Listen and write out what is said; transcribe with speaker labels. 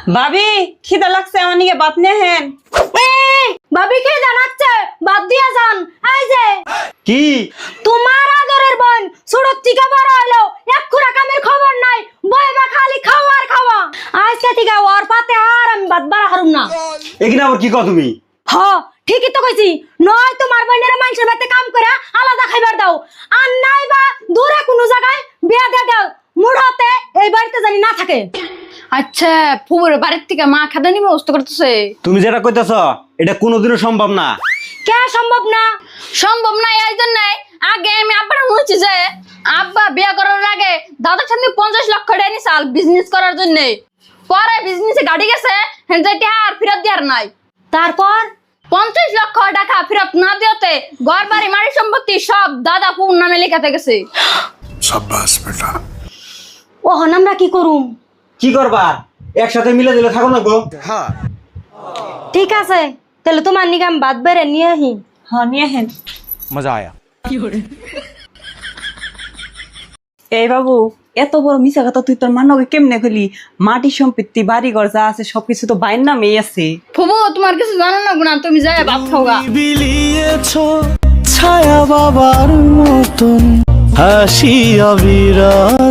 Speaker 1: ভাবি খিদা লাগছে আমার নিকে বাত নিয়ে হেন।
Speaker 2: ভাবি কে জানাচ্ছে বাদ দিয়া যান। এই যে
Speaker 3: কি
Speaker 2: তোমার আদরের বোন ছোট থেকে বড় হইলো এক খুরা কামের খবর নাই, বইবা খালি খাওয়া আর খাওয়া। আজকে থেকে ওর পাতে আর আমি বাদ বাড়া হারুম না।
Speaker 3: এখানে আবার কি কও তুমি?
Speaker 2: হ ঠিকই তো কইছি, নয় তোমার বোনের মানুষের বাড়িতে কাম করে আলাদা খাইবার দাও, আর নাই বা দূরে কোনো জায়গায় বিয়া দিয়ে দাও, মুড়তে এই বাড়িতে জানি না থাকে।
Speaker 4: আচ্ছা ফুবুর বাড়ির থেকে মা খাদানি ব্যবস্থা করতেছে।
Speaker 3: তুমি যেটা কইতাছ এটা কোনোদিনও সম্ভব না।
Speaker 2: কে সম্ভব না?
Speaker 4: সম্ভব না এই জন্য আগে আমি আব্বার বলছি যে আব্বা বিয়ে করার আগে দাদার সামনে 50 লক্ষ টাকা নিছাল বিজনেস করার জন্য। পরে বিজনেসে গাড়ি গেছে হেনজাইতে আর ফেরত দেওয়ার নাই।
Speaker 2: তারপর
Speaker 4: 50 লক্ষ টাকা ফেরত না দিতে ঘর বাড়ি মারি সম্পত্তি সব দাদা ফুবুর নামে লেখাতে গেছে।
Speaker 5: शाबाश बेटा।
Speaker 2: ওহন আমরা কি করুম?
Speaker 3: কি করবা? একসাথে মিলে দিলে থাকো না গো।
Speaker 2: ঠিক আছে তাহলে তোমার নিগাম বাদ বেড়ে নিয়ে আহি।
Speaker 1: হ্যাঁ নিয়ে হেন।
Speaker 5: मजा आया।
Speaker 1: এই বাবু এত বড় মিছা কথা তুই তোর মানকে কেমনে কইলি? মাটি সম্পত্তি বাড়ি ঘর যা আছে সবকিছু তো বাইর নামেই আছে।
Speaker 4: ফুবু তোমার কিছু জানো না গুনা, তুমি যাই ভাত খাওগা।
Speaker 6: বিলিয়েছো ছায়া বাবার মতন হাসি অবিরাম।